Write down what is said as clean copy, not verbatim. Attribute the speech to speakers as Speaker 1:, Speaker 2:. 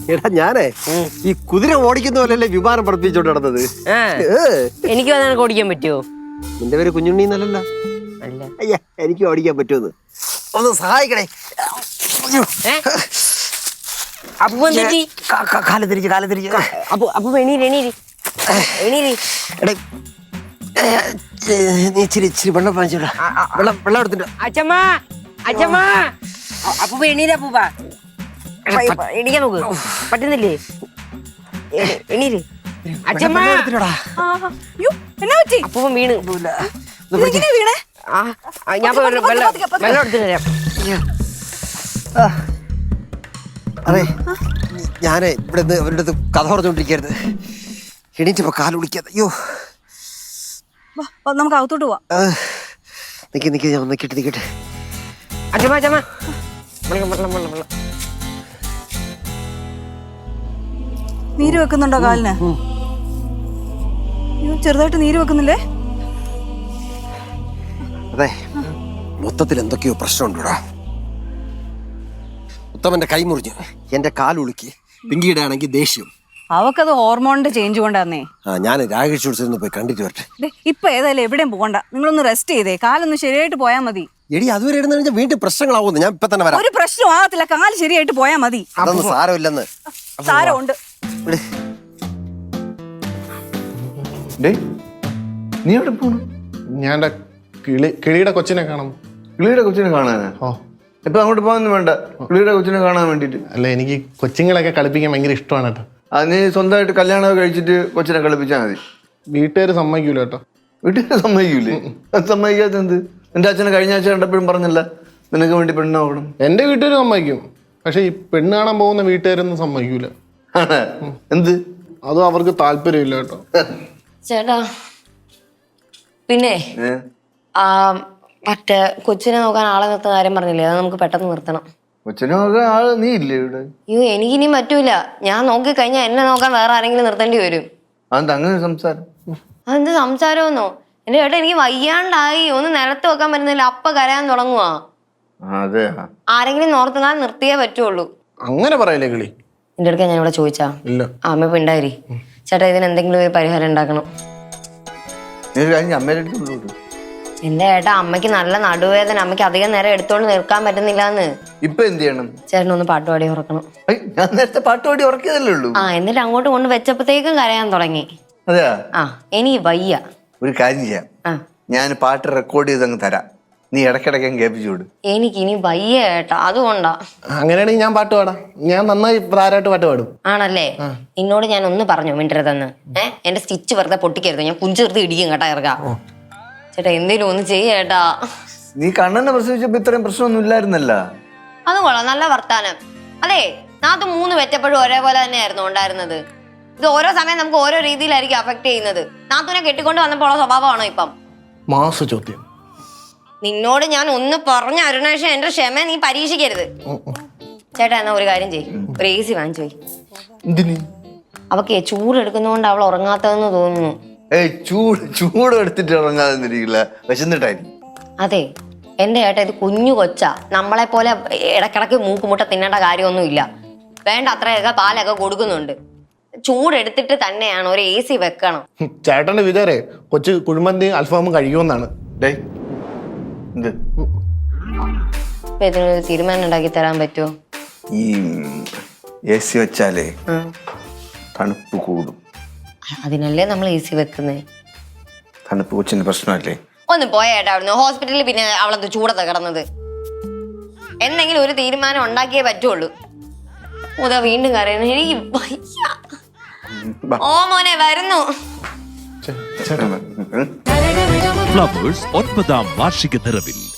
Speaker 1: എടാ ഞാനേ ഈ കുതിര ഓടിക്കുന്ന പോലെയല്ലേ വിമാനം പഠിപ്പിച്ചോണ്ട് നടന്നത്.
Speaker 2: എനിക്ക് അതാണ് ഓടിക്കാൻ പറ്റുമോ?
Speaker 1: നിന്റെ പേര് കുഞ്ഞുണ്ണി എന്നല്ലല്ലോ. അയ്യ എനിക്ക് ഓടിക്കാൻ പറ്റുമെന്ന് ഒന്ന് സഹായിക്കണേ. കാല് തിരിച്ച് നീ ഇച്ചിരി വെള്ളം വാങ്ങിച്ചോടാ. വെള്ളം എടുത്തിട്ട്
Speaker 2: എണീക്കാൻ നോക്ക്. പറ്റുന്നില്ലേ? എണീര് അച്ഛമ്മ. അപ്പൂപ്പൻ വീണ്. ഞാൻ വെള്ളം എടുത്തിട്ട് തരാം.
Speaker 1: അതെ ഞാനേ ഇവിടെ നിന്ന് അവരുടെ അടുത്ത് കഥ പറഞ്ഞോണ്ടിരിക്കരുത്. എണീറ്റപ്പോ കാല് വിളിക്കാതെ. അയ്യോ
Speaker 3: നമുക്ക് അകത്തോട്ട് പോവാം.
Speaker 1: നിക്ക് ഞാൻ നിക്കട്ടെ.
Speaker 2: അച്ഛമ്മ
Speaker 3: നീര് വെക്കുന്നുണ്ടോ കാലിന്? ചെറുതായിട്ട് നീര് വെക്കുന്നില്ലേ?
Speaker 1: അതെ മൊത്തത്തിൽ എന്തൊക്കെയോ പ്രശ്നമുണ്ടോടാ. ഉത്തമന്റെ കൈ മുറിഞ്ഞു, എന്റെ കാലുളുക്കി. പിങ്കിയുടെ ആണെങ്കിൽ ദേഷ്യം.
Speaker 3: അവക്കത് ഹോർമോണിന്റെ ചേഞ്ച് കൊണ്ടാന്നേ.
Speaker 1: ഞാൻ രാകേഷ് ഉത്സവം പോയി കണ്ടിട്ട് വരട്ടെ.
Speaker 3: ഇപ്പൊ ഏതായാലും എവിടെയും പോകണ്ട, നിങ്ങളൊന്ന് റെസ്റ്റ് ചെയ്തേ. കാലൊന്ന് ശരിയായിട്ട് പോയാൽ മതി.
Speaker 1: എടി അതുവരെ ഇരുന്ന് വീണ്ടും പ്രശ്നങ്ങളാവുന്നു. ഞാൻ ഇപ്പൊ തന്നെ വരാം.
Speaker 3: ഒരു പ്രശ്നം ആകത്തില്ല, കാല് ശരിയായിട്ട് പോയാൽ മതി.
Speaker 1: അതൊന്നും സാരമില്ലെന്ന്.
Speaker 3: സാരമുണ്ട്.
Speaker 4: നീ എവിടെ പോണു?
Speaker 5: ഞാൻ കിളിയുടെ കൊച്ചിനെ കാണാം.
Speaker 4: കിളിയുടെ കൊച്ചിനെ കാണാനാ? ഇപ്പൊ അങ്ങോട്ട് പോകാനൊന്നും വേണ്ട, കിളിയുടെ കൊച്ചിനെ കാണാൻ വേണ്ടിട്ട്.
Speaker 5: അല്ല, എനിക്ക് കൊച്ചുങ്ങളൊക്കെ കളിപ്പിക്കാൻ ഭയങ്കര ഇഷ്ടമാണ് കേട്ടോ.
Speaker 4: അത് നീ സ്വന്തമായിട്ട് കല്യാണം കഴിച്ചിട്ട് കൊച്ചിനെ കളിപ്പിച്ചാൽ മതി.
Speaker 5: വീട്ടുകാർ സമ്മതിക്കൂല കേട്ടോ.
Speaker 4: വീട്ടുകാർ സമ്മതിക്കൂലേ? അത് സമ്മതിക്കാത്ത എന്ത്? എന്റെ അച്ഛനെ കഴിഞ്ഞ ആഴ്ച കണ്ടപ്പോഴും പറഞ്ഞില്ല നിനക്ക് വേണ്ടി പെണ്ണ് നോക്കണം.
Speaker 5: എന്റെ വീട്ടുകാർ സമ്മതിക്കും, പക്ഷെ ഈ പെണ്ണ് കാണാൻ പോകുന്ന വീട്ടുകാരൊന്നും സമ്മതിക്കൂല.
Speaker 4: എന്ത്?
Speaker 5: അതും അവർക്ക് താല്പര്യമില്ല കേട്ടോ.
Speaker 2: ചേട്ടാ പിന്നെ മറ്റേ കൊച്ചിനെ നോക്കാൻ ആളെ നിർത്തുന്ന കാര്യം പറഞ്ഞില്ലേ, അത് നമുക്ക് പെട്ടെന്ന് നിർത്തണം.
Speaker 4: കൊച്ചിനെ നോക്കാൻ ആള് നീ ഇല്ലേ ഇവിടെ?
Speaker 2: അയ്യോ എനിക്കിനി പറ്റൂല. ഞാൻ നോക്കി കഴിഞ്ഞാൽ എന്നെ നോക്കാൻ വേറെ ആരെങ്കിലും നിർത്തേണ്ടി വരും.
Speaker 4: അതെന്താ അങ്ങനെ സംസാരം?
Speaker 2: അതെന്ത് സംസാരമെന്നോ? എന്റെ ചേട്ടാ എനിക്ക് വയ്യാണ്ടായി, ഒന്ന് നിലത്ത് വെക്കാൻ പറ്റുന്നില്ല, അപ്പ കരയാൻ തുടങ്ങുവാ. ആരെങ്കിലും നോർത്തുകാൻ നിർത്തിയേ പറ്റുള്ളൂ.
Speaker 5: അങ്ങനെ പറയല്ലേ കിളി.
Speaker 2: എന്റെ അടുക്ക ഞാൻ ഇവിടെ ചോദിച്ചാ അമ്മ ഇപ്പൊ ഉണ്ടായി. ചേട്ടാ ഇതിന് എന്തെങ്കിലും ഒരു പരിഹാരം ഉണ്ടാക്കണം. എന്റെ ചേട്ടാ അമ്മയ്ക്ക് നല്ല നടുവേദന, അമ്മയ്ക്ക് അധികം നേരം എടുത്തോണ്ട് നിൽക്കാൻ പറ്റുന്നില്ലാന്ന്.
Speaker 4: ഇപ്പൊ എന്ത് ചെയ്യണം?
Speaker 2: ചേട്ടനൊന്ന് പാട്ടുപാടി ഉറക്കണം.
Speaker 4: ഞാൻ നേരത്തെ പാട്ടുപാടി ഉറക്കിയതല്ലേ ഉള്ളൂ.
Speaker 2: എന്നിട്ട് അങ്ങോട്ട് കൊണ്ട് വെച്ചപ്പോഴത്തേക്കും കരയാൻ തുടങ്ങി.
Speaker 4: അതെയാ?
Speaker 2: ഇനി വയ്യ.
Speaker 4: ഒരു കാര്യം ചെയ്യാം, ഞാൻ പാട്ട് റെക്കോർഡ് ചെയ്തങ്ങ് തരാം, നീ ഇടയ്ക്കിടയ്ക്ക് കേൾപ്പിച്ചു വിടും.
Speaker 2: എനിക്കിനി വയ്യ ചേട്ടാ, അതുകൊണ്ടാ.
Speaker 5: അങ്ങനെയാണെങ്കിൽ ഞാൻ പാട്ട് പാടാം. ഞാൻ നന്നായി പ്രാരായിട്ട് പാട്ട് പാടും.
Speaker 2: ആണല്ലേ? നിന്നോട് ഞാൻ ഒന്ന് പറഞ്ഞു മിണ്ടരുതെന്ന്. എന്റെ സ്റ്റിച്ച് വെറുതെ പൊട്ടിക്കരുത്, ഞാൻ പുഞ്ചെറുത്ത് ഇടിക്കും കേട്ടാ. ഇറക്കാം ചേട്ടാ, എന്തേലും ഒന്ന് ചെയ്യേട്ടാ.
Speaker 4: നീ കണ്ണനെ പ്രസവിച്ചപ്പോ ഇത്രയും പ്രശ്നമൊന്നും ഇല്ലായിരുന്നല്ല.
Speaker 2: അത് കൊള്ളാം, നല്ല വർത്താനം. അതെ, നാത്ത് 3 വെച്ചപ്പോഴും ഒരേപോലെ തന്നെയായിരുന്നു ഉണ്ടായിരുന്നത്. ഇത് ഓരോ സമയം നമുക്ക് ഓരോ രീതിയിലായിരിക്കും അഫക്ട് ചെയ്യുന്നത്. നാത്തുനെ കെട്ടിക്കൊണ്ട് വന്നപ്പോൾ ഉള്ള സ്വഭാവമാണോ ഇപ്പം?
Speaker 5: മാസ ചോദ്യം.
Speaker 2: നിന്നോട് ഞാൻ ഒന്ന് പറഞ്ഞ അരുണേഷ്, എന്റെ ക്ഷമ നീ പരീക്ഷിക്കരുത്. ചേട്ടാ എന്നാ ഒരു കാര്യം ചെയ്യ്, ഒരു AC വാങ്ങിച്ചു പോയി. അവക്ക് ചൂടെടുക്കുന്നോണ്ട് അവൾ ഉറങ്ങാത്തതെന്ന് തോന്നുന്നു.
Speaker 4: ചൂട് എടുത്തിട്ട് ഉറങ്ങാതിരിക്കില്ല, വിശന്നിട്ടായിരിക്കും.
Speaker 2: അതെ എന്റെ ചേട്ടാ, ഇത് കുഞ്ഞു കൊച്ചാ, നമ്മളെ പോലെ ഇടക്കിടക്ക് മൂക്കുമുട്ട തിന്നേണ്ട കാര്യമൊന്നുമില്ല. വേണ്ട അത്രയൊക്കെ പാലൊക്കെ കൊടുക്കുന്നുണ്ട്. ചൂടെടുത്തിട്ട് തന്നെയാണ് ഒരു AC വെക്കണം.
Speaker 5: ചേട്ടന്റെ വിചാരേ കൊച്ചു കുഴിമന്തി അൽഫാമും കഴിക്കുമെന്നാണ്.
Speaker 2: ഇതിനൊരു തീരുമാനം ഉണ്ടാക്കി തരാൻ പറ്റുമോ?
Speaker 4: ഈ AC വെച്ചാലേ തണുപ്പ് കൂടും.
Speaker 2: അതിനല്ലേ നമ്മൾ AC വെക്കുന്നേ.
Speaker 4: തണുപ്പ് കൊച്ചിന് പ്രശ്നമല്ലേ?
Speaker 2: ഒന്ന് പോയേട്ടാ അവിടുന്ന്. ഹോസ്പിറ്റലിൽ പിന്നെ അവളത് ചൂടത്തെ കിടന്നത്. എന്തെങ്കിലും ഒരു തീരുമാനം ഉണ്ടാക്കിയേ പറ്റുള്ളൂ. മുതാ വീണ്ടും കരയുന്നു. എനിക്ക് വയ്യ. ഓ മോനെ വരുന്നു.
Speaker 6: ഫ്ലവേഴ്സ് 9ാം വാർഷിക നിറവിൽ